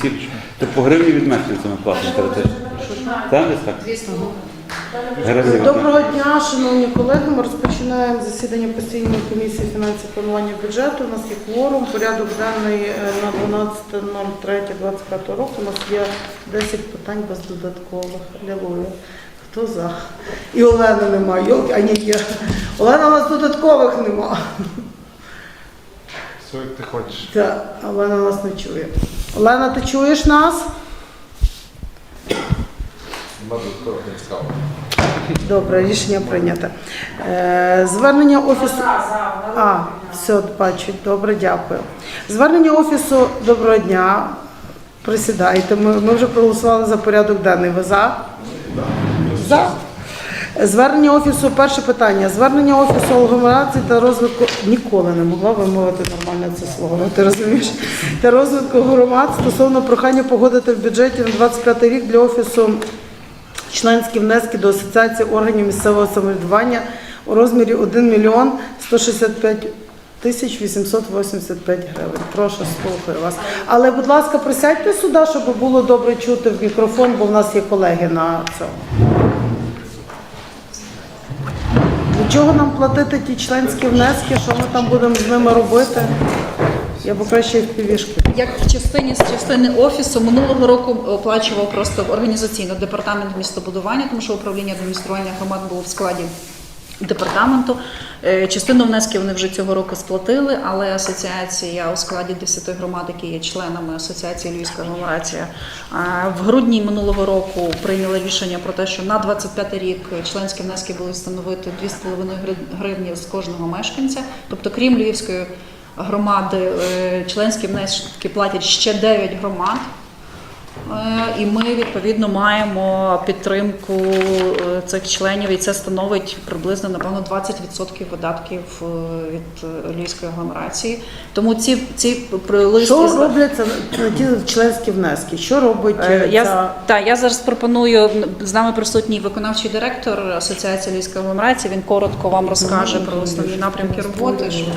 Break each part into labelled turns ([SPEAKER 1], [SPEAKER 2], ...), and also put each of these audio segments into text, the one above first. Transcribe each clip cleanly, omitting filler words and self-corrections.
[SPEAKER 1] осіб, то по гривні від мешканця ми платимо теоретично. Так, десь так?
[SPEAKER 2] Доброго дня, шановні колеги. Ми розпочинаємо засідання постійної комісії фінансів планування бюджету. У нас є кворум, порядок денний на 12.03.25 року. У нас є 10 питань без додаткових. Алілуя. Хто за? І Олени немає. А ні, є. Олена, у нас додаткових немає.
[SPEAKER 3] Все, як ти хочеш.
[SPEAKER 2] Так, Олена нас не чує. Олена, ти чуєш нас? Добре, рішення прийнято. Звернення офісу... все, бачу. Добре, дякую. Звернення офісу «Доброго дня». Присідайте. Ми вже проголосували за порядок денний. Ви за? За. Звернення офісу, перше питання. Звернення офісу агломерації та розвитку, ніколи не могла вимовити нормально це слово, ти розумієш, та розвитку громад стосовно прохання погодити в бюджеті на 25 рік для офісу членські внески до Асоціації органів місцевого самоврядування у розмірі 1 мільйон 165 тисяч 885 гривень. Прошу, слухаю вас. Але, будь ласка, присядьте сюди, щоб було добре чути в мікрофон, бо в нас є колеги на цьому. Для чого нам платити ті членські внески, що ми там будемо з ними робити? Я б краще в півішки.
[SPEAKER 4] Як в частини офісу минулого року оплачував просто організаційно департамент містобудування, тому що управління адміністрування громад було в складі департаменту. Частину внесків вони вже цього року сплатили, але асоціація у складі 10 громад, які є членами асоціації Львівська агломерація, в грудні минулого року прийняли рішення про те, що на 25 рік членські внески будуть становити 2,5 гривні з кожного мешканця. Тобто, крім Львівської громади, членські внески платять ще 9 громад. І ми, відповідно, маємо підтримку цих членів, і це становить приблизно, напевно, 20% видатків від Львівської агломерації. Тому ці листи...
[SPEAKER 2] Що робляться ті членські внески? Що робить
[SPEAKER 4] я зараз пропоную, з нами присутній виконавчий директор Асоціації Львівської агломерації, він коротко вам розкаже про основні напрямки роботи, щоб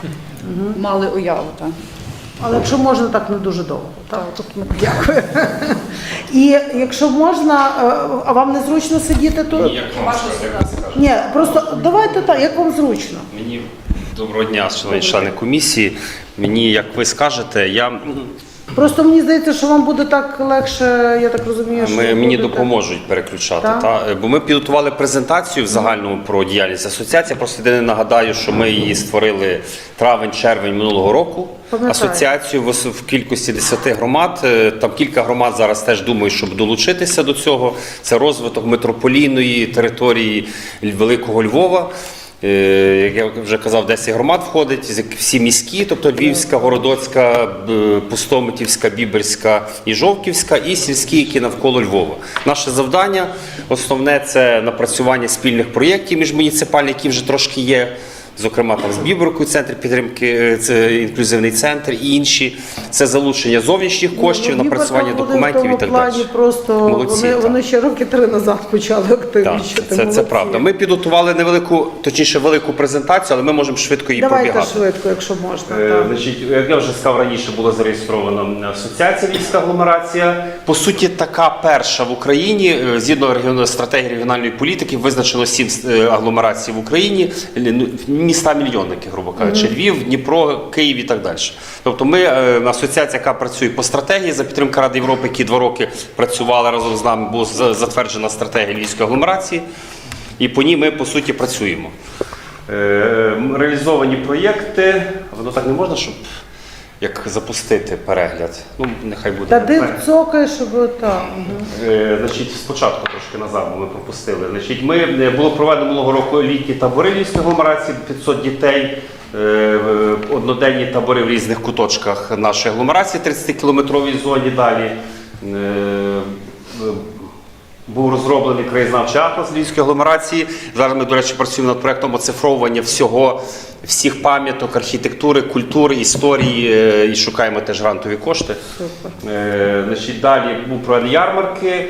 [SPEAKER 4] ви мали уяву. Так.
[SPEAKER 2] Але якщо можна, так не дуже довго. Так? Дякую. І якщо можна, а вам не зручно сидіти тут?
[SPEAKER 5] Ні, як вам скажете.
[SPEAKER 2] Ні, просто давайте так, як вам зручно.
[SPEAKER 5] Мені доброго дня, шановні члени комісії. Мені, як ви скажете,
[SPEAKER 2] Просто мені здається, що вам буде так легше, я так розумію, що
[SPEAKER 5] мені допоможуть переключати. Бо ми підготували презентацію в загальному про діяльність асоціації. Просто єдине нагадаю, що ми її створили травень-червень минулого року. Асоціацію в кількості 10 громад. Там кілька громад зараз теж думають, щоб долучитися до цього. Це розвиток метрополійної території Великого Львова. Як я вже казав, 10 громад входить, всі міські, тобто Львівська, Городоцька, Пустомитівська, Біберська і Жовківська, і сільські, які навколо Львова. Наше завдання основне – це напрацювання спільних проєктів міжмуніципальних, які вже трошки є. Зокрема, там з Біберкою центр підтримки, це інклюзивний центр і інші. Це залучення зовнішніх коштів, напрацювання документів і так далі.
[SPEAKER 2] Просто вони ще роки 3 назад почали активнічити.
[SPEAKER 5] Це правда. Ми підготували велику презентацію, але ми можемо швидко її пробігати.
[SPEAKER 2] Давайте швидко, якщо можна.
[SPEAKER 5] Значить, як я вже сказав раніше, була зареєстрована асоціація Львівська агломерація. По суті, така перша в Україні. Згідно стратегії регіональної політики визначено 7 агломерацій в Україні. Міста-мільйонники, грубо кажучи, Львів, Дніпро, Київ і так далі. Тобто ми, асоціація, яка працює по стратегії, за підтримки Ради Європи, які 2 роки працювали разом з нами, була затверджена стратегія Львівської агломерації, і по ній ми, по суті, працюємо. Реалізовані проєкти, воно так не можна, щоб як запустити перегляд. Ну, нехай буде.
[SPEAKER 2] Та див цокає, щоб так.
[SPEAKER 5] Значить, спочатку трошки назад, бо ми пропустили. Значить, було проведено минулого року літні табори Львівської агломерації, 500 дітей, одноденні табори в різних куточках нашої агломерації, 30-кілометровій зоні далі. Був розроблений краєзнавчий атлас Львівської агломерації. Зараз ми, до речі, працюємо над проєктом оцифровування всіх пам'яток, архітектури, культури, історії і шукаємо теж грантові кошти. Значить, далі був проведений ярмарки,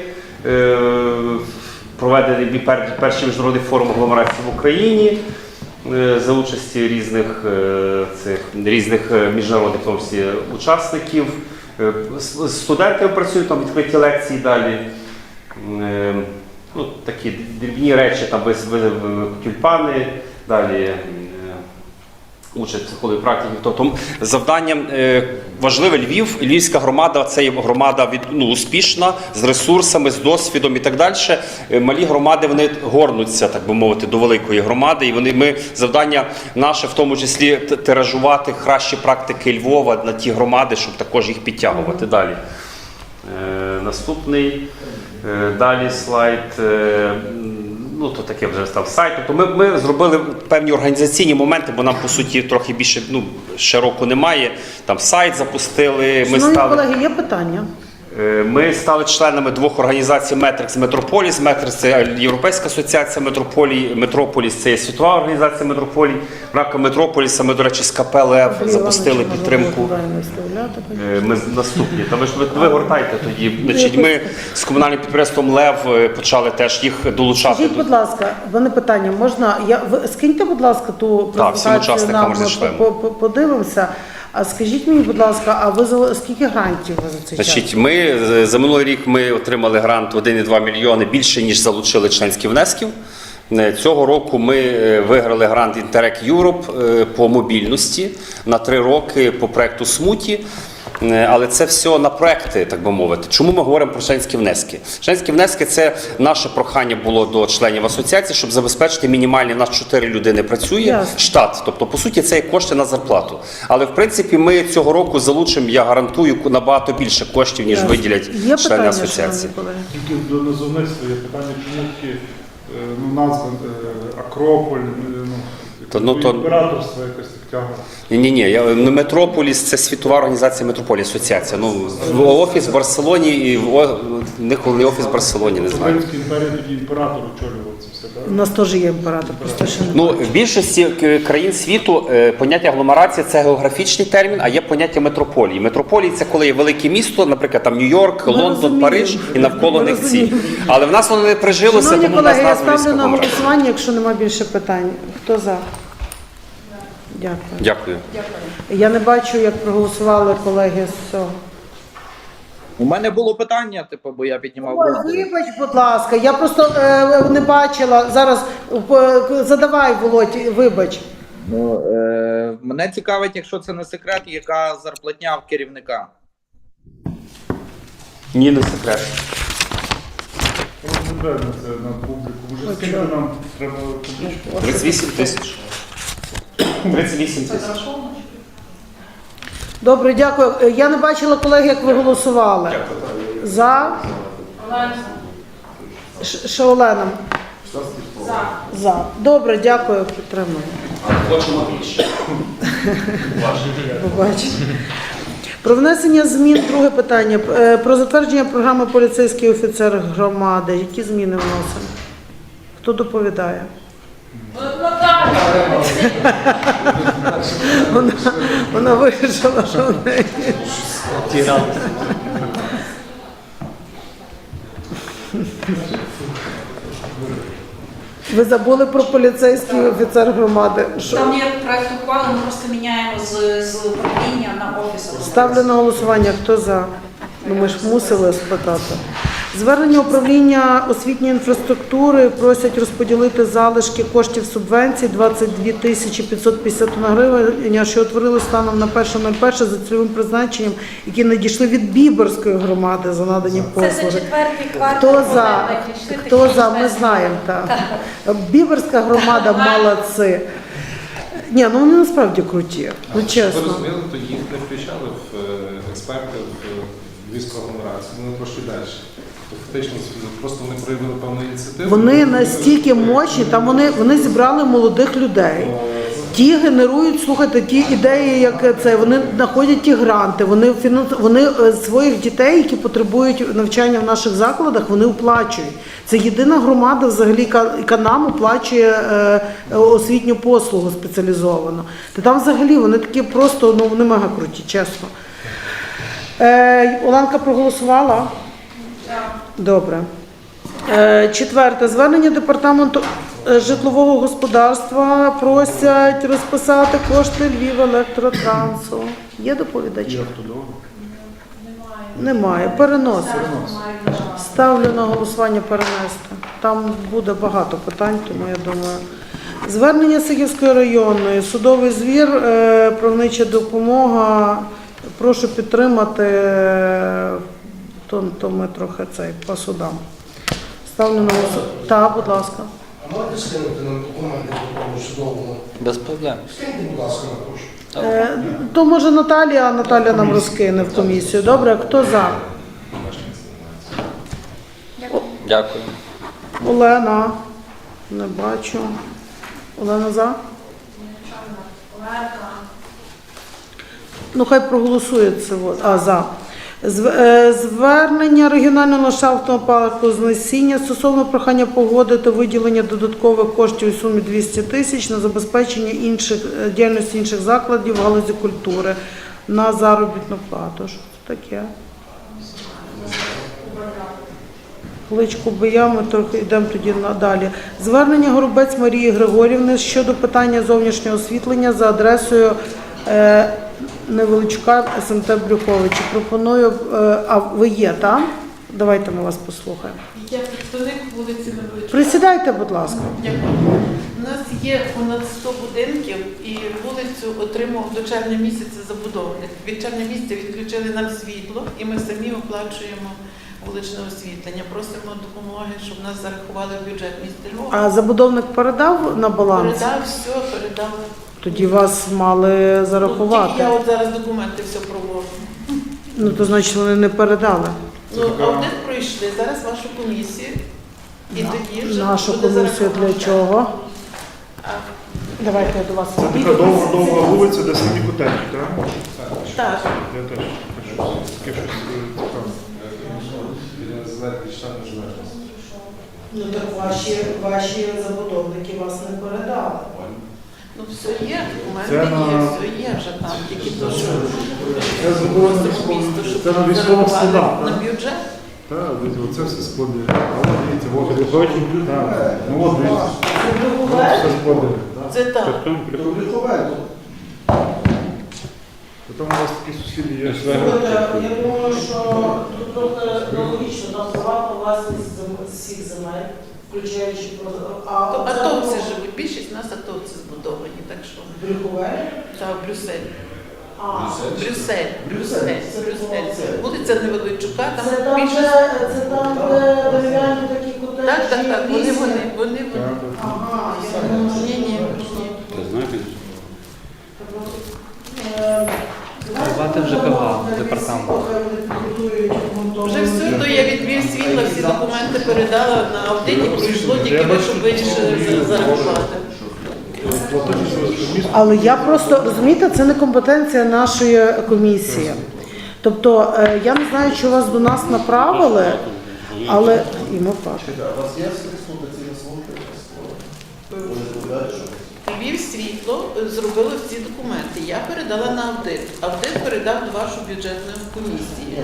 [SPEAKER 5] проведений перший міжнародний форум агломерації в Україні за участі різних міжнародних учасників. З студентами працюють, там відкриті лекції далі. Ну, такі дрібні речі, там тюльпани, далі участь психології практики. Тобто завданням важливе Львів, Львівська громада, це є громада успішна, з ресурсами, з досвідом і так далі. Малі громади, вони горнуться, так би мовити, до великої громади. І ми, завдання наше, в тому числі, тиражувати кращі практики Львова на ті громади, щоб також їх підтягувати далі. Наступний, далі слайд. Ну, то таке вже став сайт. Тобто ми зробили певні організаційні моменти, бо нам, по суті, трохи більше, ще року немає. Там сайт запустили.
[SPEAKER 2] Шановні колеги, є питання?
[SPEAKER 5] Ми стали членами двох організацій Метрикс Метрополіс. Метрикс – це Європейська асоціація метрополій, Метрополіс – це є світова організація метрополій. В рамках Метрополіса ми, до речі, з КП ЛЕВ запустили підтримку. Ми наступні. Та ви гортайте тоді. Значить, ми з комунальним підприємством ЛЕВ почали теж їх долучати.
[SPEAKER 2] Скажіть, будь ласка, в мене питання, можна, скиньте, будь ласка, ту презентацію, нам подивимося. А скажіть мені, будь ласка, а ви скільки грантів ви за цей час?
[SPEAKER 5] Значить, ми за минулий рік ми отримали грант 1,2 мільйони, більше, ніж залучили членських внесків. Цього року ми виграли грант Interreg Europe по мобільності на 3 роки по проєкту Смуті. Але це все на проекти, так би мовити. Чому ми говоримо про членські внески? Членські внески – це наше прохання було до членів асоціації, щоб забезпечити мінімальні, у нас 4 людини працює, штат. Тобто, по суті, це є кошти на зарплату. Але, в принципі, ми цього року залучимо, я гарантую, набагато більше коштів, ніж виділять члени асоціації.
[SPEAKER 3] Тільки до назовництва є питання, чому такі назви Акрополь, імператорство якось так тягне.
[SPEAKER 5] Ні, Метрополіс – це світова організація Метрополії, асоціація. Офіс в Барселоні, і ніколи офіс в Барселоні, не знаю.
[SPEAKER 3] Римській імперії тоді імператор очолював це все, так?
[SPEAKER 2] У нас теж є імператор, просто ще не.
[SPEAKER 5] В більшості країн світу поняття агломерація – це географічний термін, а є поняття метрополії. Метрополії – це коли є велике місто, наприклад, там Нью-Йорк, Лондон, Париж і навколо них ці. Але в нас воно не прижилося,
[SPEAKER 2] Шановні
[SPEAKER 5] тому в нас
[SPEAKER 2] колеги, я
[SPEAKER 5] назва
[SPEAKER 2] ставлю на
[SPEAKER 5] військова.
[SPEAKER 2] голосування, якщо немає більше питань. Хто за?
[SPEAKER 5] Дякую.
[SPEAKER 2] Я не бачу, як проголосували колеги з цього.
[SPEAKER 6] У мене було питання, бо я піднімав
[SPEAKER 2] Ой,
[SPEAKER 6] руку.
[SPEAKER 2] вибач, будь ласка, я просто не бачила. Зараз задавай, Володь, вибач.
[SPEAKER 6] Мене цікавить, якщо це не секрет, яка зарплатня в керівника?
[SPEAKER 5] Ні, не секрет.
[SPEAKER 3] Не треба це на публіку. Може, скільки нам треба публічку?
[SPEAKER 5] 38 тисяч. 38 тисяч.
[SPEAKER 2] Добре, дякую. Я не бачила, колеги, як ви голосували. За? Ще Олена. За. Добре, дякую, підтримую.
[SPEAKER 5] Хочемо більше.
[SPEAKER 2] Побачимо. Про внесення змін, друге питання. Про затвердження програми поліцейський офіцер громади. Які зміни вносимо? Хто доповідає? Вона вирішила, що в неї. Ви забули про поліцейський офіцер громади. Що?
[SPEAKER 4] Там є проєкт ухвали, ми просто міняємо з управління на офіс.
[SPEAKER 2] Ставлю на голосування. Хто за? Ну, ми ж мусили спитати. Звернення управління освітньої інфраструктури просять розподілити залишки коштів субвенцій 22 тисячі 551 гривень, що утворили станом на 1.01 за цільовим призначенням, які надійшли від Біберської громади за надані послуги.
[SPEAKER 7] Це за четвертий квартал.
[SPEAKER 2] Хто за? Хто за? Ми знаємо, так. Біберська громада молодці. Ні, ну вони насправді круті, ну
[SPEAKER 8] Ви
[SPEAKER 2] чесно.
[SPEAKER 8] розуміли, то їх не включали в експерти в Львівську агломерацію, вони трошки далі. Фактично, просто вони проявили певну ініціативу.
[SPEAKER 2] Вони настільки мощні, там вони зібрали молодих людей. Ті генерують, слухайте, ті ідеї, як це, вони знаходять ті гранти, вони своїх дітей, які потребують навчання в наших закладах, вони оплачують. Це єдина громада взагалі, яка нам оплачує освітню послугу спеціалізовану. Та там взагалі вони такі просто, ну вони мега круті, чесно. Оленка проголосувала? Добре. Четверте. Звернення департаменту житлового господарства просять розписати кошти Львівелектротрансу. Є доповідачі? Немає. Переносить. Ставлю на голосування перенести. Там буде багато питань, тому я думаю. Звернення Сихівської районної, судовий звір, правнича допомога. Прошу підтримати, то ми трохи по судам. Ставлю на голосування. Так, будь ласка.
[SPEAKER 7] А можете скинути нам документи по тому судовому?
[SPEAKER 6] Без проблем.
[SPEAKER 7] Скиньте, будь ласка, на пошту.
[SPEAKER 2] То може Наталія, а Наталя нам розкине в комісію. Добре, хто за?
[SPEAKER 6] Дякую.
[SPEAKER 2] Олена. Не бачу. Олена за? Ну, хай проголосує це. За. Звернення регіонального ландшафтного парку «Знесіння» стосовно прохання погодити виділення додаткових коштів у сумі 200 тисяч на забезпечення діяльності інших закладів в галузі культури на заробітну плату. Що це таке? Кличку Бия, ми трохи йдемо тоді надалі. Звернення Горобець Марії Григорівни щодо питання зовнішнього освітлення за адресою Невеличка, СМТ Брюховичі. Пропоную, а ви є там? Давайте ми вас послухаємо.
[SPEAKER 9] Я представник вулиці Невеличка.
[SPEAKER 2] Присідайте, будь ласка.
[SPEAKER 9] Дякую. У нас є понад 100 будинків і вулицю отримав до червня місяця забудовник. Від червня місяця відключили нам світло і ми самі оплачуємо вуличне освітлення. Просимо допомоги, щоб нас зарахували в бюджет міста Львова.
[SPEAKER 2] А забудовник передав на баланс?
[SPEAKER 9] Передав все, передав.
[SPEAKER 2] Тоді вас мали
[SPEAKER 9] Ну,
[SPEAKER 2] зарахувати.
[SPEAKER 9] тільки я от зараз документи все проводжу.
[SPEAKER 2] Ну, то значить вони не передали.
[SPEAKER 9] Ну, аудит пройшли, зараз вашу комісію. І тоді вже
[SPEAKER 2] Нашу
[SPEAKER 9] буде
[SPEAKER 2] комісію для
[SPEAKER 9] зараховано.
[SPEAKER 2] чого?
[SPEAKER 9] А,
[SPEAKER 2] Давайте я до вас
[SPEAKER 3] Це
[SPEAKER 2] підійду.
[SPEAKER 3] така довга вулиця, де самі котельні, так?
[SPEAKER 9] Так.
[SPEAKER 3] Я теж хочу таке щось цікаве.
[SPEAKER 8] Біля зелених штат незалежності.
[SPEAKER 2] Ну так ваші забудовники вас не передали.
[SPEAKER 9] Ну, все є, документи
[SPEAKER 3] Це
[SPEAKER 9] є,
[SPEAKER 3] на-
[SPEAKER 9] все є вже там, тільки то, що
[SPEAKER 3] Це заборонено
[SPEAKER 9] просто місто, щоб
[SPEAKER 3] це на військових
[SPEAKER 9] зарахували
[SPEAKER 3] складах,
[SPEAKER 9] на
[SPEAKER 3] так?
[SPEAKER 9] бюджет.
[SPEAKER 3] Так, оце все склади. А от дивіться, от Григорчик, так. Ну от дивіться, все склади.
[SPEAKER 9] Це так.
[SPEAKER 3] Потім у вас такі сусіди є.
[SPEAKER 2] Я думаю, що тут трохи логічно, там приватна власність всіх земель, включаючи
[SPEAKER 9] Атовці живуть, більшість нас атовці збудовані, так що.
[SPEAKER 2] Брюхове.
[SPEAKER 9] Так, Брюссель. Брюссель. Вулиця Невеличука, там більшість.
[SPEAKER 2] Це там, де дерев'яні такі котеджі.
[SPEAKER 9] Так, вони.
[SPEAKER 2] Ага,
[SPEAKER 9] Ні.
[SPEAKER 1] Ти знаєш?
[SPEAKER 2] Давайте вже департамент.
[SPEAKER 9] Вже все, то я відвів світло, всі документи передала на аудиті, пройшло тільки ви, щоб вирішили зарахувати.
[SPEAKER 2] Але я просто, розумієте, це не компетенція нашої комісії. Тобто, я не знаю, чи вас до нас направили, але і ми бачимо.
[SPEAKER 7] У вас є експлуатаційна служба?
[SPEAKER 9] Ввів світло, зробили всі документи. Я передала на аудит. Аудит передав до вашої бюджетної комісії.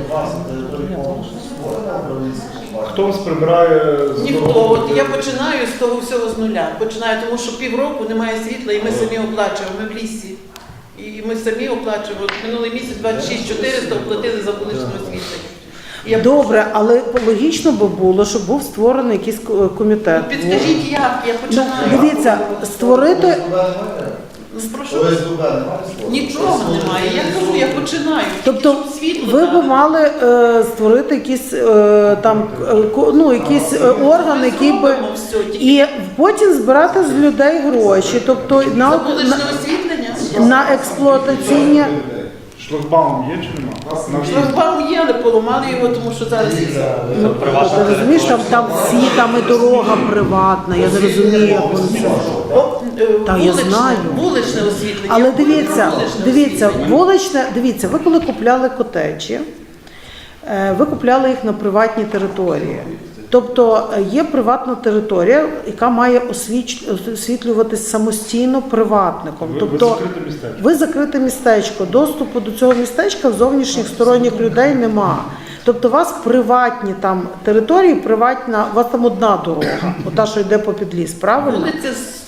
[SPEAKER 3] Хто вас прибирає з
[SPEAKER 9] Ніхто.
[SPEAKER 3] дорогу?
[SPEAKER 9] От я починаю з того всього з нуля. Починаю, тому що півроку немає світла, і ми самі оплачуємо. Ми в лісі. І ми самі оплачуємо. От минулий місяць 26 400 оплатили за вуличне освітлення. І я
[SPEAKER 2] Добре, але логічно би було, щоб був створений якийсь комітет.
[SPEAKER 9] Підскажіть, як я починаю.
[SPEAKER 2] Дивіться, створити.
[SPEAKER 9] Прошу. Нічого немає. Я кажу, я починаю.
[SPEAKER 2] Тобто
[SPEAKER 9] Світло
[SPEAKER 2] ви
[SPEAKER 9] дали.
[SPEAKER 2] б мали створити якийсь якийсь орган, який би
[SPEAKER 9] Зробимо все, тільки
[SPEAKER 2] і потім збирати з людей гроші, тобто
[SPEAKER 9] за
[SPEAKER 2] на
[SPEAKER 9] вуличне освітлення.
[SPEAKER 2] на експлуатаційні.
[SPEAKER 3] Шлагбаум є чи нема?
[SPEAKER 9] Шлагбаум є, але поламали його, тому що зараз
[SPEAKER 2] Ну, ти розумієш, там всі, там і дорога приватна, я не розумію, як вони це. Та, я знаю.
[SPEAKER 9] Вуличне освітлення.
[SPEAKER 2] Але дивіться,
[SPEAKER 9] Вуличне освітлення.
[SPEAKER 2] дивіться, ви коли купляли котеджі, ви купляли їх на приватній території. Тобто є приватна територія, яка має освітлюватись самостійно приватником.
[SPEAKER 3] Ви
[SPEAKER 2] Тобто
[SPEAKER 3] закрите містечко.
[SPEAKER 2] ви закрите містечко, доступу до цього містечка в зовнішніх сторонніх людей нема. Тобто у вас приватні там території, у вас там одна дорога, ота, що йде по підліс, правильно?
[SPEAKER 9] Вулиця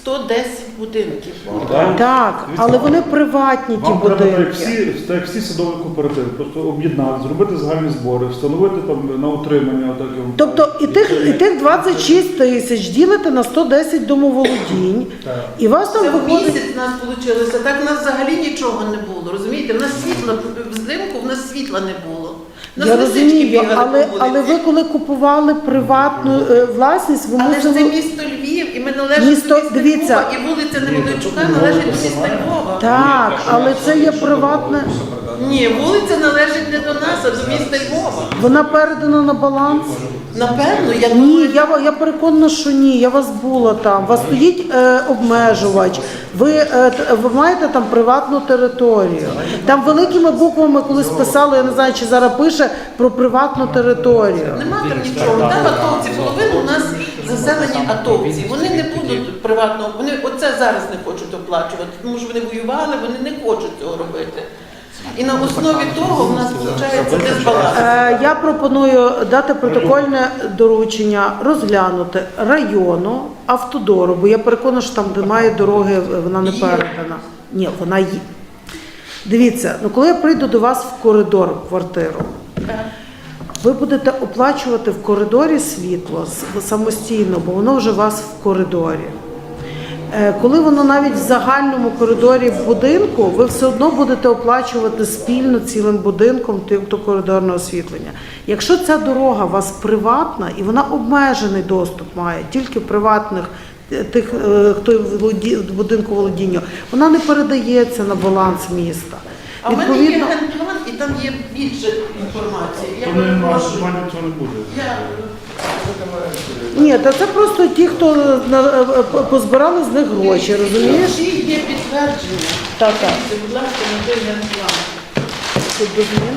[SPEAKER 9] 110 будинків.
[SPEAKER 2] Так, але вони приватні ті
[SPEAKER 3] Вам треба так,
[SPEAKER 2] будинки.
[SPEAKER 3] як всі садові кооперативи, просто об'єднати, зробити загальні збори, встановити там на утримання. Отак,
[SPEAKER 2] Тобто і тих 26 тисяч ділите на 110 домоволодінь, і вас там
[SPEAKER 9] Це в
[SPEAKER 2] виходить...
[SPEAKER 9] місяць в нас вийшло. Так в нас взагалі нічого не було. Розумієте, в нас світло, взимку в нас світла не було. В нас
[SPEAKER 2] Я
[SPEAKER 9] лисички
[SPEAKER 2] розумію,
[SPEAKER 9] бігали по
[SPEAKER 2] але
[SPEAKER 9] вулиці.
[SPEAKER 2] ви коли купували приватну власність, ви
[SPEAKER 9] Але ж це
[SPEAKER 2] мусили...
[SPEAKER 9] місто Львів, і ми належимо
[SPEAKER 2] Місто-
[SPEAKER 9] до міста
[SPEAKER 2] дивіться.
[SPEAKER 9] Львова, і вулиця Невеличука належить до міста Львова.
[SPEAKER 2] Так, але це є приватне...
[SPEAKER 9] Ні, вулиця належить не до нас, а до міста Львова.
[SPEAKER 2] Вона передана на баланс?
[SPEAKER 9] Напевно, я
[SPEAKER 2] Ні,
[SPEAKER 9] думаю,
[SPEAKER 2] я переконана, що ні. Я вас була там. У вас стоїть обмежувач. Ви маєте там приватну територію. Там великими буквами колись писали, я не знаю, чи зараз пише про приватну територію.
[SPEAKER 9] нема там нічого. Там атовці, половину у нас заселені атовці. Вони не будуть приватного, вони оце зараз не хочуть оплачувати, тому що вони воювали, вони не хочуть цього робити. І на основі того в нас виходить дисбаланс.
[SPEAKER 2] Я пропоную дати протокольне доручення розглянути району автодору, бо я переконана, що там, де має дороги, вона не передана. Ні, вона є. Дивіться, коли я прийду до вас в коридор, в квартиру, ви будете оплачувати в коридорі світло самостійно, бо воно вже у вас в коридорі. Коли воно навіть в загальному коридорі будинку, ви все одно будете оплачувати спільно цілим будинком то коридорне освітлення. Якщо ця дорога у вас приватна і вона обмежений доступ має, тільки приватних тих, хто в будинку володіння, вона не передається на баланс міста.
[SPEAKER 9] А в мене є генплан, і там є більше інформації. Я перепрошую.
[SPEAKER 3] цього не буде.
[SPEAKER 2] Ні, та це просто ті, хто позбирали з них гроші, розумієш?
[SPEAKER 9] Всі є підтвердження.
[SPEAKER 2] Так.
[SPEAKER 9] Будь ласка, на той генплан.
[SPEAKER 2] Тут до змін.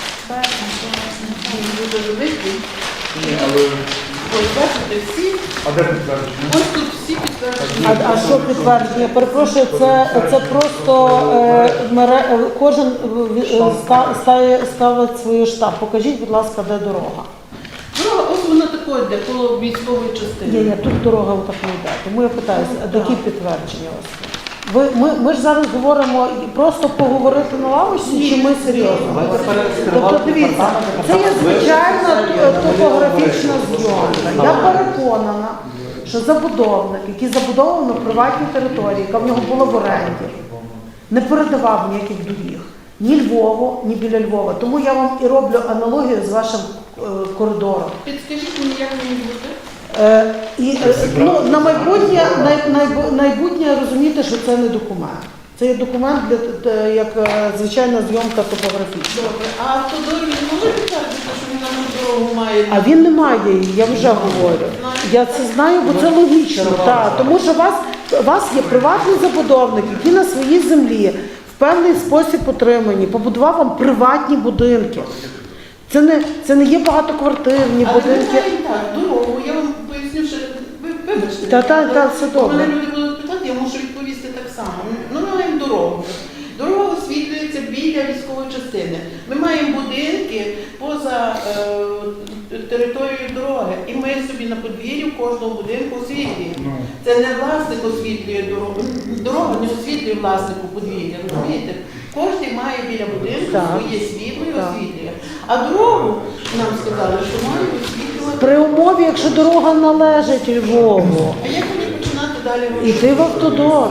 [SPEAKER 9] Він дуже великий.
[SPEAKER 3] Ні, але...
[SPEAKER 9] Ось бачите, всі,
[SPEAKER 3] А де підтвердження?
[SPEAKER 9] ось тут всі підтвердження.
[SPEAKER 2] А що підтвердження? Перепрошую, це просто кожен ставить свій штаб. Покажіть, будь ласка, де дорога.
[SPEAKER 9] Дорога, ось вона такою йде, коло військової частини.
[SPEAKER 2] Ні, тут дорога отак не йде. Тому я питаюся, а які підтвердження у вас? Ми ж зараз говоримо просто поговорити на лавочці, чи ми серйозно? Тобто, дивіться, це є звичайна топографічна зйомка. Я переконана, що забудовник, який забудовував на приватній території, яка в нього була в оренді, не передавав ніяких доріг. Ні Львову, ні біля Львова. Тому я вам і роблю аналогію з вашим коридором.
[SPEAKER 9] Підскажіть мені, як мені бути?
[SPEAKER 2] На майбутнє розумієте, що це не документ. Це є документ як звичайна зйомка топографічна.
[SPEAKER 9] Добре. А автодор він може підтвердити, що він на дорогу має?
[SPEAKER 2] А він не має її, я вже говорю. Я це знаю, бо це логічно. Тому що у вас є приватний забудовник, який на своїй землі в певний спосіб отримані, побудував вам приватні будинки. Це не є багатоквартирні
[SPEAKER 9] Але
[SPEAKER 2] будинки.
[SPEAKER 9] ми маємо так, дорогу, я вам поясню, що вибачте.
[SPEAKER 2] Все добре.
[SPEAKER 9] Мене люди будуть питати, я мушу відповісти так само. Ми маємо дорогу. Дорога освітлюється біля військової частини. Ми маємо будинки поза територією дороги. І ми собі на подвір'ї кожного будинку освітлюємо. Це не власник освітлює дорогу. Дорога не освітлює власнику подвір'я, розумієте? Кожен має біля будинку своє світло і освітлює. А дорогу нам сказали, що має освітлювати.
[SPEAKER 2] При умові, якщо дорога належить Львову,
[SPEAKER 9] А як мені починати далі робити?
[SPEAKER 2] іти в автодор.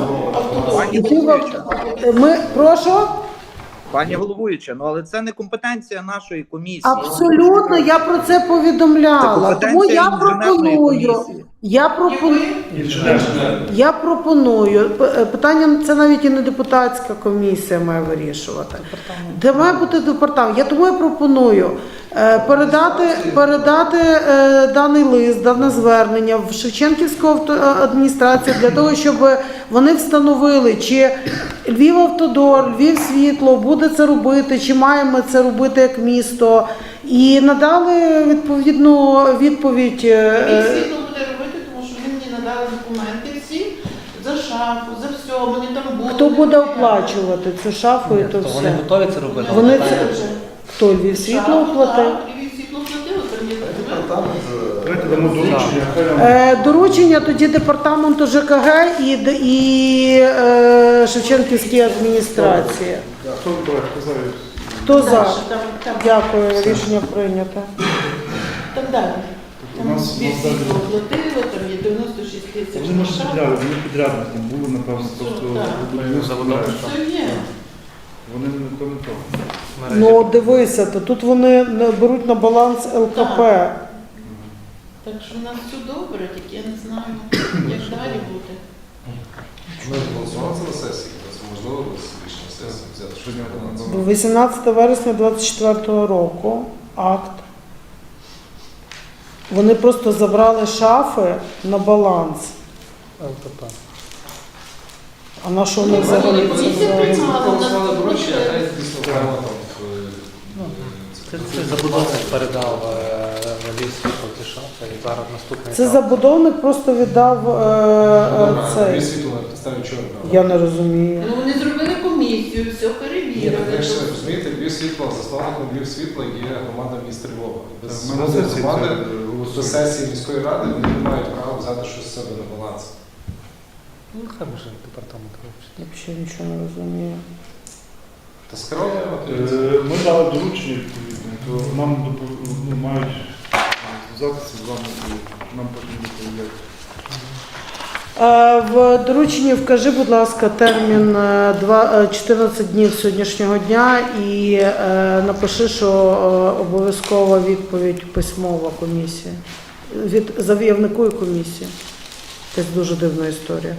[SPEAKER 2] Прошу?
[SPEAKER 6] Пані головуюча, але це не компетенція нашої комісії.
[SPEAKER 2] Абсолютно, я про це
[SPEAKER 6] Це
[SPEAKER 2] повідомляла. Тому я
[SPEAKER 6] компетенція
[SPEAKER 2] пропоную.
[SPEAKER 6] інженерної
[SPEAKER 2] Я пропоную. Питання це навіть і не депутатська комісія має вирішувати. Де має бути департамент? Тому я пропоную передати даний лист, дане звернення в Шевченківську адміністрацію для того, щоб вони встановили, чи Львівавтодор, Львівсвітло буде це робити, чи маємо це робити як місто, і надали відповідну відповідь.
[SPEAKER 9] Світло буде робити, тому що він мені надали документи всі за шафу, за все, вони там були.
[SPEAKER 2] Хто буде оплачувати цю шафу і то все?
[SPEAKER 10] Вони готові це робити.
[SPEAKER 2] Вони це... Хто Львівсвітло оплатив?
[SPEAKER 9] Львівсвітло платило, там є
[SPEAKER 3] Давайте дамо доручення, хай нам
[SPEAKER 2] Доручення тоді департаменту ЖКГ і Шевченківській адміністрації.
[SPEAKER 3] хто брати, хто знає.
[SPEAKER 2] Хто за?
[SPEAKER 9] Там,
[SPEAKER 2] Дякую, рішення прийнято.
[SPEAKER 9] там далі.
[SPEAKER 3] У
[SPEAKER 9] Там
[SPEAKER 3] нас
[SPEAKER 9] дві світло оплатило, там є 96 тисяч.
[SPEAKER 3] Вони може підряди, вони підрядники були, напевно, просто
[SPEAKER 9] Все є.
[SPEAKER 3] вони не то, не то.
[SPEAKER 2] Ну, дивися, то тут вони беруть на баланс ЛКП.
[SPEAKER 9] Так що в нас все добре, тільки я не знаю, як далі бути.
[SPEAKER 8] Ми голосували це на сесії, це можливо рішення сесії взяти, що не було.
[SPEAKER 2] 18 вересня 2024 року акт. Вони просто забрали шафи на баланс. А на що вони взагалі це взяли?
[SPEAKER 8] Голосували доручення, а навіть дійсно окремо там
[SPEAKER 10] Це забудовник передав ліс ті шафи і зараз наступний
[SPEAKER 2] Це
[SPEAKER 10] етап.
[SPEAKER 2] забудовник просто віддав
[SPEAKER 8] дві
[SPEAKER 2] цей.
[SPEAKER 8] світло на підставі чого.
[SPEAKER 2] Я не розумію.
[SPEAKER 9] Ну вони зробили комісію, все
[SPEAKER 8] Ні,
[SPEAKER 9] перевірили.
[SPEAKER 8] так ж розумієте, Львів світло, засновником Львів світла є громада міста Львова. І без
[SPEAKER 3] Ми на
[SPEAKER 8] згоди
[SPEAKER 3] сесії
[SPEAKER 8] громади
[SPEAKER 3] це
[SPEAKER 8] до
[SPEAKER 3] голосуємо.
[SPEAKER 8] сесії міської ради вони не мають права взяти щось з себе на баланс.
[SPEAKER 10] Ну, хай може департамент робить.
[SPEAKER 2] Я взагалі нічого не розумію.
[SPEAKER 8] Та скеровуємо.
[SPEAKER 3] Ми дали доручення відповідне, то нам мають зв'язатися з вами і нам потім доповідати.
[SPEAKER 2] В дорученні вкажи, будь ласка, термін 14 днів з сьогоднішнього дня і напиши, що обов'язкова відповідь письмова комісія. Від заявнику і комісії. Це дуже дивна історія.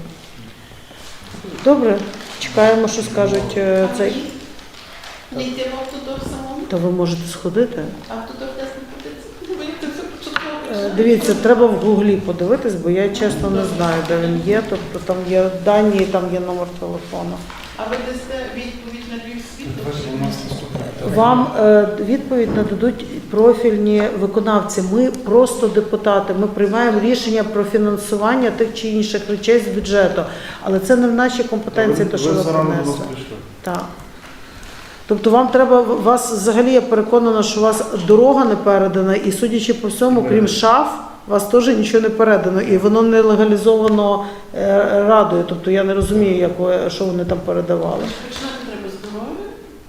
[SPEAKER 2] Добре, чекаємо, що скажуть цей.
[SPEAKER 9] Не йти в автодор самому,
[SPEAKER 2] Та ви можете сходити.
[SPEAKER 9] автодор десь не подивиться. Мені це все початково.
[SPEAKER 2] Дивіться, треба в Гуглі подивитись, бо я чесно не знаю, де він є. Тобто там є дані і там є номер телефону.
[SPEAKER 9] А ви дасте відповідь на Львів світло?
[SPEAKER 3] У нас наступне.
[SPEAKER 2] Вам відповідь нададуть профільні виконавці. Ми просто депутати. Ми приймаємо рішення про фінансування тих чи інших речей з бюджету. Але це не в нашій компетенції, то що ви
[SPEAKER 3] зарано до нас
[SPEAKER 2] принесли.
[SPEAKER 3] прийшли.
[SPEAKER 2] Так. Тобто вам треба, вас взагалі я переконана, що у вас дорога не передана, і судячи по всьому, крім шаф, у вас теж нічого не передано, і воно не легалізовано радою. Тобто я не розумію, що вони там передавали.
[SPEAKER 9] Починати треба з дороги,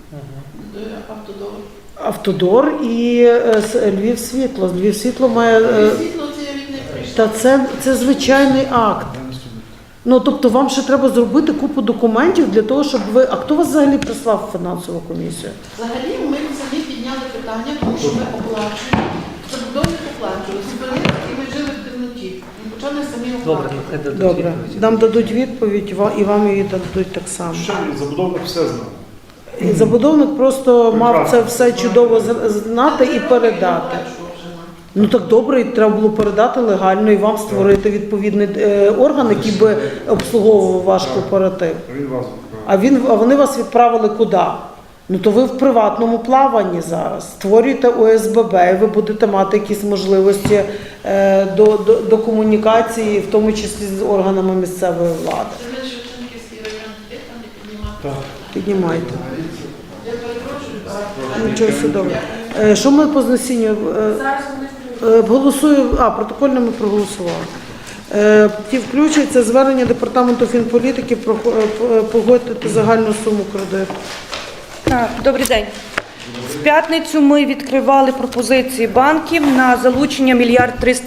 [SPEAKER 9] до автодору.
[SPEAKER 2] Автодор і Львів світло. Львів світло має.
[SPEAKER 9] Львів світло це я від них прийшла.
[SPEAKER 2] Та це звичайний акт. Ну тобто вам ще треба зробити купу документів для того, щоб ви. А хто вас взагалі прислав в фінансову комісію?
[SPEAKER 9] Взагалі ми самі підняли питання, тому що ми оплачуємо. Забудовник оплачували. Зупинили, і ми жили в темноті. Ми почали самі
[SPEAKER 10] Добре,
[SPEAKER 9] оплачувати.
[SPEAKER 10] нехай дадуть
[SPEAKER 2] Добре,
[SPEAKER 10] відповідь.
[SPEAKER 2] нам дадуть відповідь, і вам її дадуть так само.
[SPEAKER 3] Ще забудовник все знав.
[SPEAKER 2] І забудовник просто мав це все чудово знати і передати. Ну так добре, і треба було передати легально і вам створити відповідний орган, який би обслуговував ваш кооператив.
[SPEAKER 3] Він вас відправив.
[SPEAKER 2] А вони вас відправили куди? Ну то ви в приватному плаванні зараз. Створюєте ОСББ, і ви будете мати якісь можливості до комунікації, в тому числі з органами місцевої влади.
[SPEAKER 9] Це ми Шевченківський район, де там не піднімати.
[SPEAKER 3] Так.
[SPEAKER 2] Піднімайте.
[SPEAKER 9] Я перепрошую.
[SPEAKER 2] Нічого все добре. Що ми по знесінню?
[SPEAKER 9] Зараз вони
[SPEAKER 2] Голосую, протокольно ми проголосували. Ті включується звернення департаменту фінполітики про погодити загальну суму кредиту.
[SPEAKER 11] Так, добрий день. В п'ятницю ми відкривали пропозиції банків на залучення 1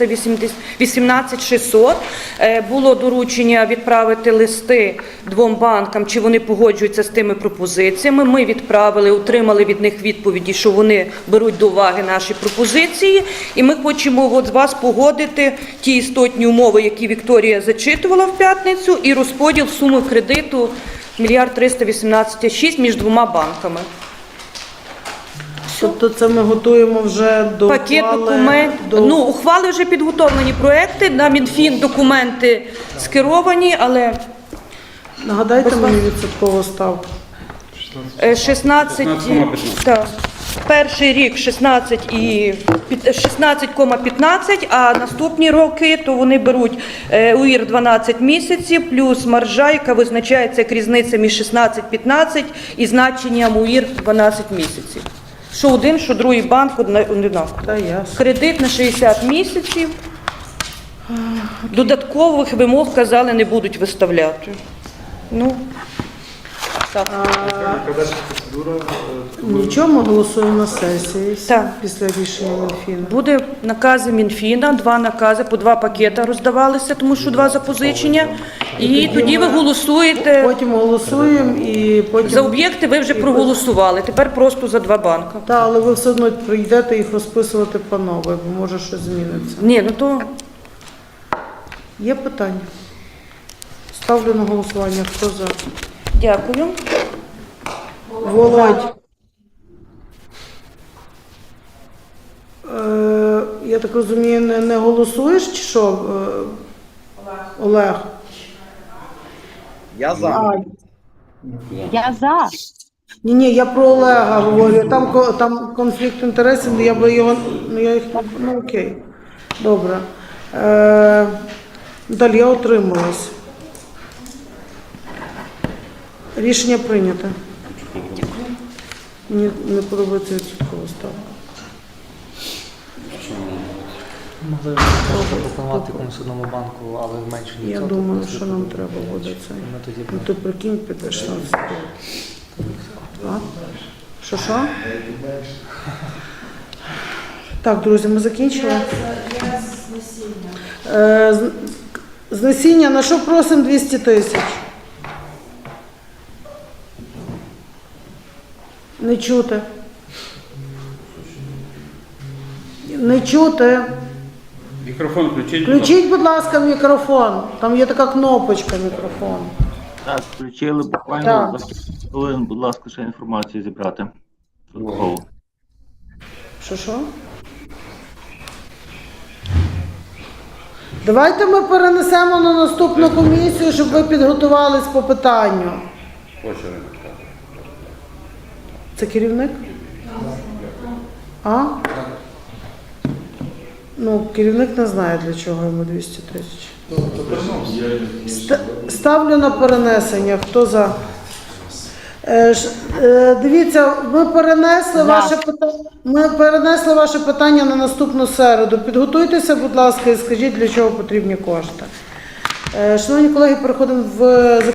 [SPEAKER 11] 318 600. Було доручення відправити листи двом банкам, чи вони погоджуються з тими пропозиціями. Ми відправили, отримали від них відповіді, що вони беруть до уваги наші пропозиції. І ми хочемо з вас погодити ті істотні умови, які Вікторія зачитувала в п'ятницю, і розподіл суми кредиту 1 318 600 між двома банками.
[SPEAKER 2] Тобто це ми готуємо вже до
[SPEAKER 11] Пакет
[SPEAKER 2] ухвали,
[SPEAKER 11] документів. Ну, ухвали вже підготовлені проекти, на Мінфін документи скеровані, але
[SPEAKER 2] Нагадайте мені відсоткову ставку.
[SPEAKER 11] 16,
[SPEAKER 1] 16,15.
[SPEAKER 11] так, перший рік 16,15, а наступні роки то вони беруть УІР 12 місяців плюс маржа, яка визначається як різниця між 16-15 і значенням УІР 12 місяців. Що один, що другий банк однаково.
[SPEAKER 2] Та ясно.
[SPEAKER 11] Кредит на 60 місяців. Додаткових вимог, казали, не будуть виставляти. Ну, так.
[SPEAKER 3] Яка далі процедура?
[SPEAKER 2] Нічого, ми голосуємо на сесії
[SPEAKER 11] Так.
[SPEAKER 2] після рішення Мінфіну.
[SPEAKER 11] Буде накази Мінфіна, 2 накази, по 2 пакета роздавалися, тому що 2 запозичення. І тоді ви голосуєте.
[SPEAKER 2] Потім голосуємо і потім...
[SPEAKER 11] За об'єкти ви вже проголосували, тепер просто за 2 банка.
[SPEAKER 2] Так, але ви все одно прийдете їх розписувати по новій, бо може щось зміниться.
[SPEAKER 11] Ні, ну то
[SPEAKER 2] Є питання? Ставлю на голосування. Хто за?
[SPEAKER 11] дякую.
[SPEAKER 2] Володь. Я так розумію, не голосуєш чи що? Олег.
[SPEAKER 6] Я за.
[SPEAKER 11] Я за.
[SPEAKER 2] Ні, я про Олега говорю. Там конфлікт інтересів, я би його, окей. Добре. Далі я утрималась. Рішення прийнято. Мені не подобається відсоткова ставка.
[SPEAKER 10] Могли пропонувати комусь одному банку, але в меншому
[SPEAKER 2] Я
[SPEAKER 10] відсотку.
[SPEAKER 2] думаю, що нам треба буде це.
[SPEAKER 10] Ми тоді
[SPEAKER 2] Ну ти прикинь, підеш на це. А? Що? Так, друзі, ми закінчили. З насіння на що просимо 200 тисяч? Не чути. Не чути.
[SPEAKER 1] Мікрофон включіть. будь ласка.
[SPEAKER 2] Включіть, будь ласка, мікрофон. Там є така кнопочка мікрофон.
[SPEAKER 12] Так, включили буквально
[SPEAKER 2] Так.
[SPEAKER 12] за хвилин, будь ласка, ще інформацію зібрати. Додатково.
[SPEAKER 2] Що? Давайте ми перенесемо на наступну комісію, щоб ви підготувались по питанню. Це керівник? А? Ну, керівник не знає, для чого йому 200 тисяч. Ставлю на перенесення. Хто за? Дивіться, ми перенесли ваше питання на наступну середу. Підготуйтеся, будь ласка, і скажіть, для чого потрібні кошти. Шановні колеги, переходимо в